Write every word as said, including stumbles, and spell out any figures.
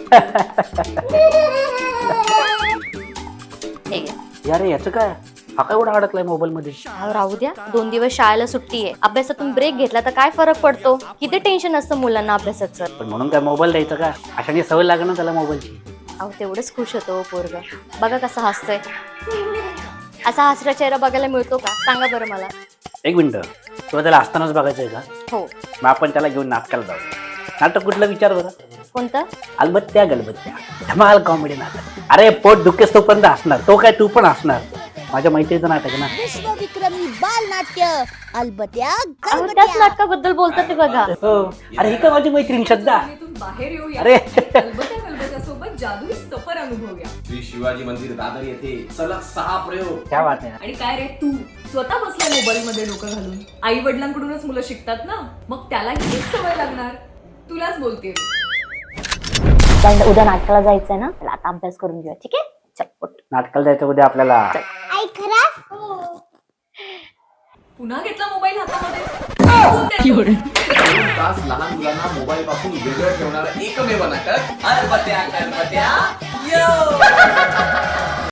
अरे याचं काय हा काय एवढा अडकलाय मोबाईल मध्ये? राहू द्या, दोन दिवस शाळेला सुट्टी आहे, अभ्यासातून ब्रेक घेतला तर काय फरक पडतो? किती टेन्शन असतं मुलांना अभ्यासाचं. पण म्हणून काय मोबाईल द्यायचा का? अशाने सवय लागेल ना त्याला मोबाईलची. अहो तेवढंच खुश होतो पोरग. बघा कसं हसतोय. असा हसरा चेहरा बघायला मिळतो का? सांगा बरं मला. एक मिनिट, तुला त्याला असतानाच बघायचंय का? हो. मग आपण त्याला घेऊन नाटकाला जाऊ. नाटक कुठलं विचार बरं? कोणतं? अलबत्त्या गलबत्त्या, धमाल कॉमेडी नाटक. अरे पोट दुखेस तोपर्यंत असणार, तो काय तू पण असणार. माझ्या मैत्रीचं नाटक ना. विश्वविक्रमी बाल नाट्य अलबत्या अहो त्याच नाटकाबद्दल बोलतात ते बघा. हो. अरे ही का माझी मैत्रीण श्रद्धा. बाहेर येऊया. अरे अलबत्या गलबत्या सोबत जादुई सफर अनुभवूया. श्री शिवाजी मंदिर दादर येथे सलग सहा प्रयोग. क्या बात आहे. आणि काय रे तू स्वतः बसलाय मोबाईल मध्ये डोकं घालून. आई वडिलांकडूनच मुलं शिकतात ना, मग त्याला हीच सवय लागणार. तुलाच बोलते. उद्या नाटकाला जायचंय ना, त्याला आता अभ्यास करून घेऊया. ठीक आहे, चल उठ. नाटकाला जायचं उद्या आपल्याला. आई खरंच पुन्हा घेतला मोबाईल हातामध्ये. दोन तास लहान मुलांना मोबाईल पासून वेगळं ठेवणारा एकमेव नाटक अलबत्या गलबत्या. यो